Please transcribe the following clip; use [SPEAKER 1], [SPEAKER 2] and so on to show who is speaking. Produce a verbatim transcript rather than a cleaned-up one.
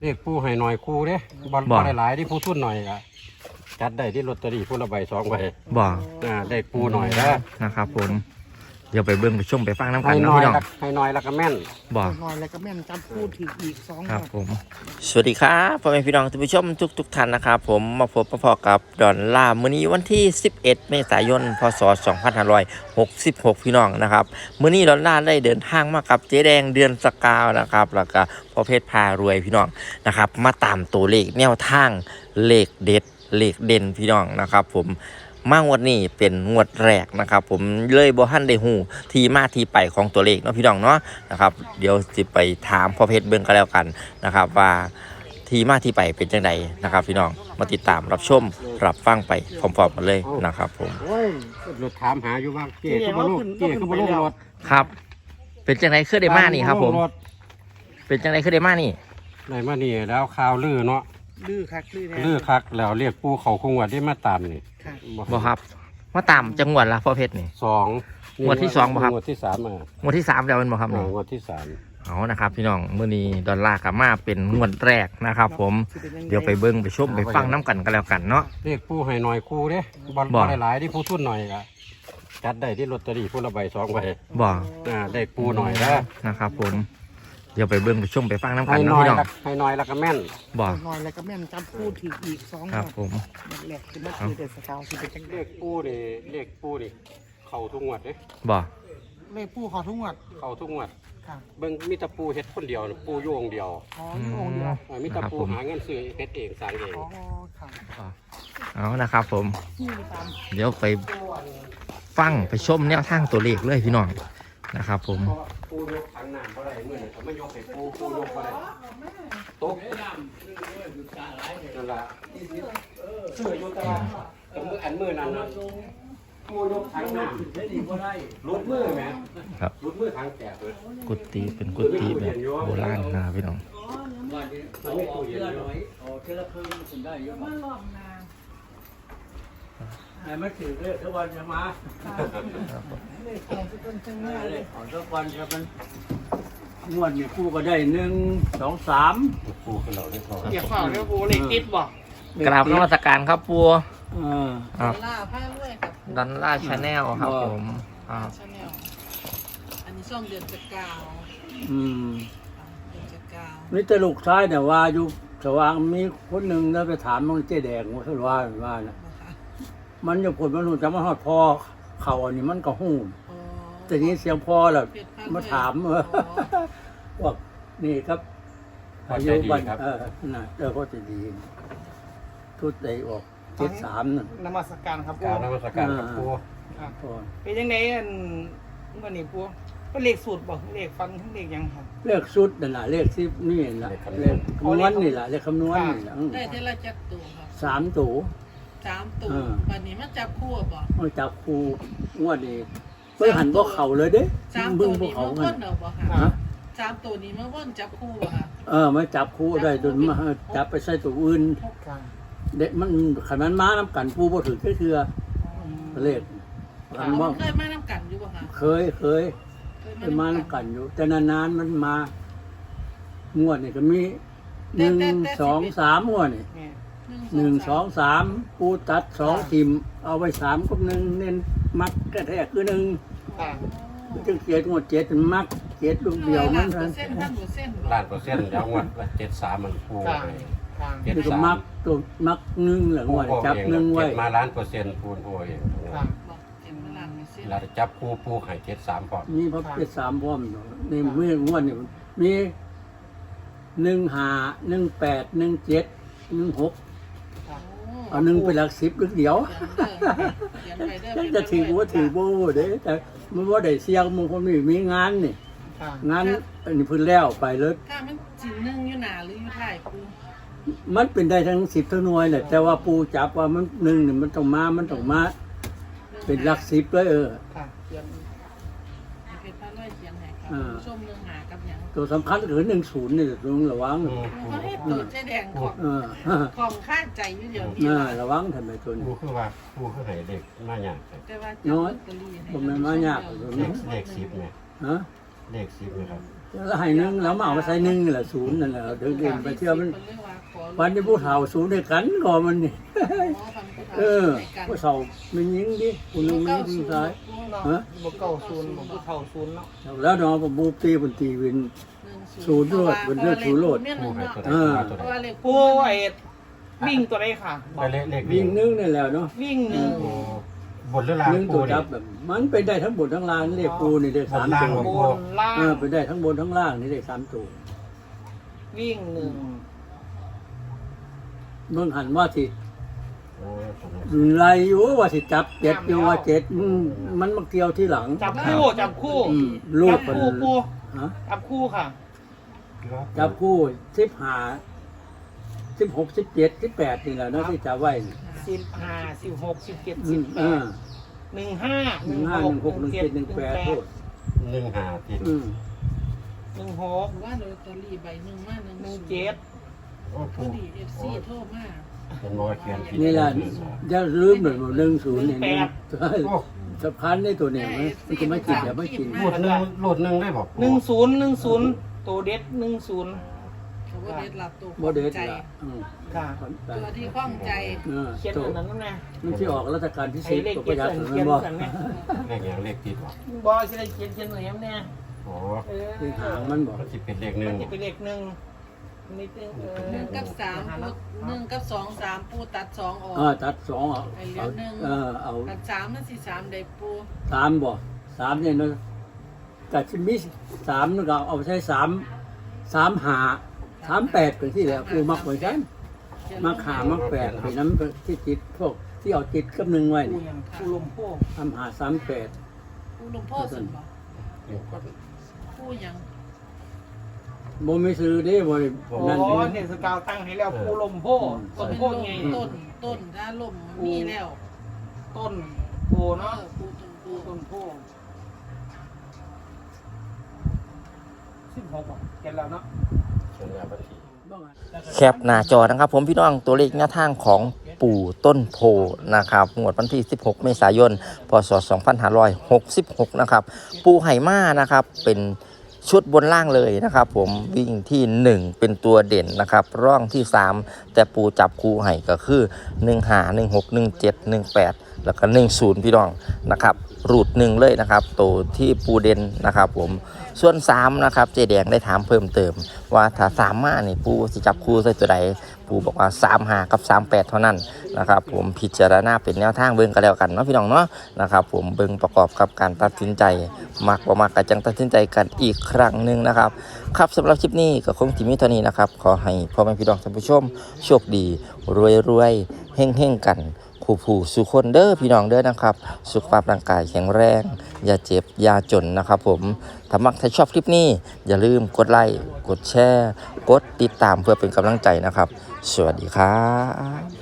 [SPEAKER 1] เลขผู้ให้หน่อยคู่เด้บอลบอลหลายที่ผู้ทุนหน่อยอะจัดได้ที่ลอตเตอรี่ผู้ละใบสองใบ
[SPEAKER 2] บ่
[SPEAKER 1] อ่าได้ปูหน่อยแล้ว
[SPEAKER 2] นะครับผมเดี๋ยวไปเบิ่งไปชมไปฟังน้ำกัน
[SPEAKER 1] ให้
[SPEAKER 2] นะ
[SPEAKER 1] น้อย
[SPEAKER 2] พี่น้อง
[SPEAKER 1] ให้น้อยแล้วก็แม่น
[SPEAKER 2] บ่
[SPEAKER 3] น้อยแล้วก็แม่นจำพูดถึงอีกสอง
[SPEAKER 2] ครับผมสวัสดีครับพ่อแม่พี่น้องท่านผู้ชมทุกทุกท่านนะครับผมมาพบมาพอกับดอนล่ามื้อนี้วันที่สิบเอ็ดเมษายนพศสองพันห้าร้อยหกสิบหกพี่น้องนะครับมื้อนี้ดอนล่าได้เดินทางมากับเจ๊แดงเดือนสกาวนะครับแล้วก็พ่อเพชรพารวยพี่น้องนะครับมาตามตัวเลขแนวทางเลขเด็ดเลขเด่นพี่น้องนะครับผมมางวดนี้เป็นงวดแรกนะครับผมเลยบ่ทันได้ฮู้ที่มาที่ไปของตัวเลขเนาะพี่น้องเนาะนะครับเดี๋ยวสิไปถามพ่อเพชรเบิ่งกันแล้วกันนะครับว่าที่มาที่ไปเป็นจังไดนะครับพี่น้องมาติดตามรับชมรับฟังไปพร้อมๆกันเลยนะครับผม
[SPEAKER 1] โอ้ยรถถามหาอยู่ว่าเก๋คือบ่ลูกเก๋คือบ่ลูกรถ
[SPEAKER 2] ครับเป็นจังไดคือได้มานี่ครับผมเป็นจังไดคือได้มานี่
[SPEAKER 1] ได้มานี่แล้วข่าวลือเนาะ
[SPEAKER 3] ลือคักลือแน่
[SPEAKER 1] ลือคักแล้วเรียกปูเขาคงว่าได้มาตามนี่
[SPEAKER 2] บ่ครับมาตามจังหวัดละพ่อเพชรนี่
[SPEAKER 1] สอง
[SPEAKER 2] งวดที่สองบ่ครับ
[SPEAKER 1] งวดที่สามอ่ะ
[SPEAKER 2] งวดที่สามแล้วมันบ่ครับนี่
[SPEAKER 1] งวดที่สาม
[SPEAKER 2] เอานะครับพี่น้องมื้อนี้ดอลลาร์กับมาเป็นงวดแรกนะครับผมเดี๋ยวไปเบิ่งไปชมไปฟังน้ำกันกันแล้วกันเนาะ
[SPEAKER 1] เรียกปูให้หน่อยคู่เด้บอลบอลหลายที่ผู้ทุนหน่อยอะจัดได้ที่ลอตเตอรี่ผู้ละใบสองใบ
[SPEAKER 2] บ่
[SPEAKER 1] อ่าได้ปูหน่อยแล้ว
[SPEAKER 2] นะครับผมเดี๋ยวไปเบิ่งไปชมไปฟังน้ำกันเนาะพี่น้อง
[SPEAKER 1] ให้น้อยแล้วก็แม่น
[SPEAKER 2] บ่
[SPEAKER 3] น้อยแล้วก็แม่นจำพูดถึงอีกสอง
[SPEAKER 2] ครับผม
[SPEAKER 3] แหลกคือมันคือเดือดสกาวคือเป็นจัง
[SPEAKER 1] เลขปูนี่เลขปูนี่เข้าทุกงวดเด้
[SPEAKER 2] บ่
[SPEAKER 3] เลขปูขอทุกงวด
[SPEAKER 1] เข้าทุกงวดเบิ่งมีแต่ปูเฮ็ดคนเดียวปูโยงเดียว
[SPEAKER 3] อ๋อโยงเดียว
[SPEAKER 1] มีแต่ปูหาเงินซื้อเฮ็ดเองสร้างเอง
[SPEAKER 3] อ๋อครับ
[SPEAKER 2] เอานะครับผมเดี๋ยวไปฟังไปชมแนวทางตัวเลขเลยพี่น้องนะครับผม
[SPEAKER 1] ปูยกถังน้ำบ่ได้มื้อนี้เขาไม่ยกให้ปูปูยกบ่ได้ตกนั่นล่ะซื้ออยู่ตลาดแต่มื้ออันมื้อนั้นน่ะปูยกถังน้ำได้ดีบ่ได้ลุดมือแม่
[SPEAKER 2] ครับ
[SPEAKER 1] ลุดมือถังแตกเลย
[SPEAKER 2] กุฏิเป็นกุฏิแบบโบราณนะพี่น้อง
[SPEAKER 1] มันไม่ตู้เย็นเลยอ๋อเทละครึ่งถึงได้เยอะมากแต่ไม่ถือเลยทุกวันจะมา
[SPEAKER 3] เลขของทุกคนทั้งนั้นเลย
[SPEAKER 1] ของทุกวันจะมันงวดเนี่ยปูก็ได้หนึ่งสองสามปูขึ้นเราได้พอ
[SPEAKER 3] เกี่ยวข้าวแล้วปูเลขติดบ่
[SPEAKER 2] กราบนมัสการครับปู
[SPEAKER 3] ดอลลาร์ผ้าด้วยกับ
[SPEAKER 2] ดอลลาร์ชาแนลครับผม
[SPEAKER 3] ชาแนลอันนี้ช่องเดือนจะกาว
[SPEAKER 1] อืม
[SPEAKER 3] เดือนจะกาว
[SPEAKER 1] นี่ตลูกซ้ายเนี่ยว่าอยู่สว่างมีคนหนึ่งแล้วไปถามมันเจ๊แดงว่าเขาว่าว่านะมันจะผลมันหูจะมาหอดพอเข่าอันนี้มันก็หูแต่นี้เสียงพอแหละมาถามว่านี่ครับอายุบันเออน่ะเออก็จะดีทุดใจออกเจ็ดสามนั่น
[SPEAKER 3] นมัสการครับปู
[SPEAKER 1] นมัสการครับปู
[SPEAKER 3] เป็นยังไงอันวันนี้ปูก็เลขสูตรบอกเลขฟันทั้งเลขยังครับ
[SPEAKER 1] เลขสุดนั่นแหละเลขสิบนี่แหละเลขคำนวณนี่แหละเลขคำนวณนี่แหละ
[SPEAKER 4] ได้เท่าไรจับตัวครับ
[SPEAKER 1] สามตัว
[SPEAKER 4] สามตัววันนี้มันจับคู่บ่
[SPEAKER 1] มันจับคู่งวดนี้เพิ่งหันพวกเขาเลยเด้
[SPEAKER 4] สามตัวนี้มันว่นเหรอบ่ค่ะสามตัวนี้มันว่นจับคู่บ่ค่ะ
[SPEAKER 1] เออมาจับคู่ได้จนมาจับไปใส่ตัวอื่นเด็กมันขันมันม้าน้ำกันปูบ่ถือแค่เทือเลข
[SPEAKER 4] มันเคยมาน้ำกันอยู่บ่ค่ะ
[SPEAKER 1] เคยเคยเคยมาน้ำกันอยู่แต่นานๆมันมางวดนี่ก็มีหนึ่งสองสามงวดนี่หนึ่งสองสามปูตัดสองทิมเอาไว้สามกับหนึ่งเน้นมัดกระแทกคือหนึ่งจึงเจ็ดงวดเจ็ดมักเจ็ดลูกเดียวมันเท่านั้นล้านเปอร์เซ็นต์แล้วงวดเจ็ดสามมันปูเจ็ดสามมักตัวมักหนึ่งหรืองวดจับหนึ่งไว้มาล้านเปอร์เซ็นต์ปูนโอยเราจับปูปูหายเจ็ดสามพร้อมนี่เพราะเจ็ดสามพร้อมในเมื่องวดนี่มีหนึ่งห้าหนึ่งแปดหนึ่งเจ็ดหนึ่งหกเอาหนึ่งเป็นหลักสิบลูกเดียวจะถือว่าถือโบ้เด้แต่มันว่าได้เสียงมึงคนมีมีงานนี่งานอันนี้พื้นแล้วไปเลย
[SPEAKER 4] ถ้ามันจีหนึ่งอยู่หนาหรืออยู่ท้ายปู
[SPEAKER 1] มันเป็นได้ทั้งสิบทั้งหน่วยแหละแต่ว่าปูจับว่ามันหนึ่งเนี่ยมันต้องมามันต้องมาเป็นหลักสิบเลยเออตัวสำคัญคือหนึ่งศูนย์นี่ตรงระวัง
[SPEAKER 4] เขาให้ตัวเจ๊แดงของของข้าใจอยู่เดี๋ยวนี้
[SPEAKER 1] ระวังทำไมตัวนี้ปูคือว่าปูคือให้เด็กมาหยาบน้อยผมไม่มาหยาบเลขสิบไงฮะเลขสิบนะครับแล้วให้หนึ่งแล้วมาเอามาใส่หนึ่งนี่แหละศูนย์นั่นแหละเดินเดินไปเที่ยวมันวันที่ผู้เฒ่าศูนย์ด้วยกันก่อนมันนี่เออผู้เฒ่ามันยิงดิคนหนึงมันยิงซ้ายฮะ
[SPEAKER 3] บ่เก่าศูนย์บ่ผู้เฒ่าศูนย์เนาะ
[SPEAKER 1] แล้วน้องผมบูตีบนตีวินศูนย์โลดบนเลือดศูนย์โลด
[SPEAKER 2] เออ
[SPEAKER 3] ผู้ไอ้วิ่งตัวใดค่ะบอก
[SPEAKER 5] เลขเลข
[SPEAKER 1] วิ่งนึ่งนี่แหละเนาะ
[SPEAKER 3] วิ่งหนึ่ง
[SPEAKER 5] โอ้บนเรือราง
[SPEAKER 1] นึ่ง
[SPEAKER 5] ปู
[SPEAKER 1] ตัว
[SPEAKER 5] เนี่
[SPEAKER 1] จั
[SPEAKER 5] ย
[SPEAKER 1] บแบบมันไปได้ทั้งบนทั้งล่างนี่เรียกปูนี่ได้สามตัว
[SPEAKER 3] บนล่าง
[SPEAKER 1] เออไปได้ทั้งบนทั้งล่างนี่ได้สามตัว
[SPEAKER 3] วิ่งหนึ่ง
[SPEAKER 1] เบิ่งหันว่าสิ
[SPEAKER 5] โอ้
[SPEAKER 1] ไรอยู่ว่าสิจับเจ็ดอยู่ว่าเจ็ดอืมมันมาเกี่ยวที่หลัง
[SPEAKER 3] จับคู่จับคู่
[SPEAKER 1] อืมลูก
[SPEAKER 3] จับ
[SPEAKER 1] มัน
[SPEAKER 3] คู่ปู
[SPEAKER 1] ฮะ
[SPEAKER 3] จับคู่ค่ะ
[SPEAKER 1] จับคู่สิบห้าสิบหกสิบเจ็ดสิบแปดนี่แหละเนาะที่จับไว้นี่
[SPEAKER 3] สิบห้าสิบหกสิบเจ็ด
[SPEAKER 1] อื
[SPEAKER 3] สิบ
[SPEAKER 1] ม
[SPEAKER 3] แป
[SPEAKER 1] เอ
[SPEAKER 3] ด
[SPEAKER 1] อ
[SPEAKER 3] หนึ่งห้า
[SPEAKER 1] หนึ่งห้าหนึ่งหกหนึ่งเจ็ดหนึ่งแปดโทษ
[SPEAKER 5] หนึ่งห้าติด
[SPEAKER 1] อืม
[SPEAKER 3] หนึ่งหก
[SPEAKER 4] ว่าลอตเตอรี่ใบหนึ่งมาหนึ่ง
[SPEAKER 3] หนึ่งเจ็ด
[SPEAKER 5] โอ้
[SPEAKER 4] พ
[SPEAKER 5] ปู
[SPEAKER 4] อดีเอฟซีโทรมา
[SPEAKER 5] เป็นมอเขียนผิด
[SPEAKER 1] นี่แหละจะลืมหน่อยหนึ่งศูนย์เนี่ย
[SPEAKER 5] โอ้
[SPEAKER 1] สะพานได้ตัวเนี่ยมันมันก็ไม่กินอย่าไม่กิน
[SPEAKER 5] โหลดหนึ่งโหลดหนึ่งได้บอก
[SPEAKER 3] หนึ่งศูนย์หนึ่งศูนย์ตัวเด็ดหนึ่งศูนย์
[SPEAKER 4] เขาว่าเด็ดหลับตัว
[SPEAKER 1] โมเดล
[SPEAKER 4] ใจ
[SPEAKER 1] ละอืม
[SPEAKER 3] ค่ะ
[SPEAKER 4] ตัวที่ข้องใจ
[SPEAKER 1] เออ
[SPEAKER 3] เขียน
[SPEAKER 1] ตัว
[SPEAKER 3] อันนั้นนะ
[SPEAKER 1] มันที่ออกราชการพิเศ
[SPEAKER 3] ไอ้
[SPEAKER 1] ษ
[SPEAKER 3] เลข
[SPEAKER 1] ตัวป
[SPEAKER 3] เขีย
[SPEAKER 1] ระ
[SPEAKER 3] น
[SPEAKER 1] หยัด
[SPEAKER 3] อัน
[SPEAKER 1] มั
[SPEAKER 3] เขีย
[SPEAKER 1] น
[SPEAKER 3] น
[SPEAKER 1] บอก
[SPEAKER 3] อันเนี่ย
[SPEAKER 5] เลขอย่างเลขติดบอก
[SPEAKER 3] บอสิได้เขียนเขียนหน่อยครับเนี่ย
[SPEAKER 5] โอ้
[SPEAKER 3] เออ
[SPEAKER 1] ที่หางมันบอก
[SPEAKER 5] มันจะเป็นเลขหนึ่
[SPEAKER 3] มั
[SPEAKER 5] ง
[SPEAKER 3] นจะเป็นเลขหนึ่งนิดนึงเออ
[SPEAKER 4] หนึ่งกับสามปูหนึ่งกับสองสามปูตัดสองออก
[SPEAKER 1] เออตัดสองเอา
[SPEAKER 4] ไอ้เหลื
[SPEAKER 1] เอา
[SPEAKER 4] อหนึ่ง
[SPEAKER 1] เออเอา
[SPEAKER 4] ตัดสามนั่นสิสามได้ปู
[SPEAKER 1] สามบ่สามเนี่ยเนาะกัดชิมิสามนึกเอาเอาไปใช้สามสามหาสามแปดเป็นที่แหละกูมักเหมือนกันมักหามักแปดเป็นน้ำที่จิตพวกที่เอาจิตกับหนึ่งไว้
[SPEAKER 3] ปู
[SPEAKER 1] นี่
[SPEAKER 3] ยังปูลมโพก
[SPEAKER 1] ทำหาสามแปด
[SPEAKER 4] ปูหลวงพ่อสุดบ่
[SPEAKER 5] เดี๋ยวก่อน
[SPEAKER 4] ปูยัง
[SPEAKER 1] โมไม่ซื้อเด้โม
[SPEAKER 3] โอ้
[SPEAKER 1] นั่น
[SPEAKER 3] โห
[SPEAKER 1] นี่
[SPEAKER 3] เนี่ยสกาวตั้งให้แล้วปูลมโพกต้น
[SPEAKER 4] เป็น
[SPEAKER 3] โพ
[SPEAKER 4] ล
[SPEAKER 3] ก
[SPEAKER 4] ม
[SPEAKER 3] ไง
[SPEAKER 4] ต้นต้นถ้าลมมีแล้ว
[SPEAKER 3] ต้นโพ
[SPEAKER 4] เอ
[SPEAKER 3] เนาะ
[SPEAKER 4] อปูต้นปู
[SPEAKER 3] ปูต้นโพกสิบหกอ่ะเก็บแล้วเนาะ
[SPEAKER 5] เขียนยาบัญชี
[SPEAKER 2] แคปหน้าจอนะครับผมพี่น้องตัวเลขแนวทางของปู่ต้นโพนะครับงวดวันที่สิบหกเมษายนพศสองพันห้าร้อยหกสิบหกนะครับปูไหมานะครับเป็นชุดบนล่างเลยนะครับผมวิ่งที่หนึ่งเป็นตัวเด่นนะครับร่องที่สามแต่ปูจับคู่ให้ก็คือหนึ่งห้า หนึ่งหก หนึ่งเจ็ด หนึ่งแปดแล้วก็หนึ่งศูนย์พี่น้องนะครับรูดหนึ่งเลยนะครับตัวที่ปูเด่นนะครับผมส่วนสามนะครับเจแดงได้ถามเพิ่มเติมว่าถ้าสามมานี่ปูจะจับคู่ใส่ตัวใดปูบอกว่าสามห้ากับสามแปดเท่านั้นนะครับผมพิจารณาเป็นแนวทางเบิ่งกันแล้วกันเนาะพี่น้องเนาะนะครับผมเบิ่งประกอบกับการตัดสินใจมักบ่มักก็จังตัดสินใจกันอีกครั้งหนึ่งนะครับครับสำหรับคลิปนี้ก็คงที่มีเท่านี้นะครับขอให้พ่อแม่พี่น้องท่านผู้ชมโชคดีรวยๆเฮ่งๆกันคู่ผู้สุคนเด้อพี่น้องเด้อนะครับสุขภาพร่างกายแข็งแรงอย่าเจ็บอย่าจนนะครับผมถ้ามักถ้าชอบคลิปนี้อย่าลืมกดไลค์กดแชร์กดติดตามเพื่อเป็นกำลังใจนะครับสวัสดีครับ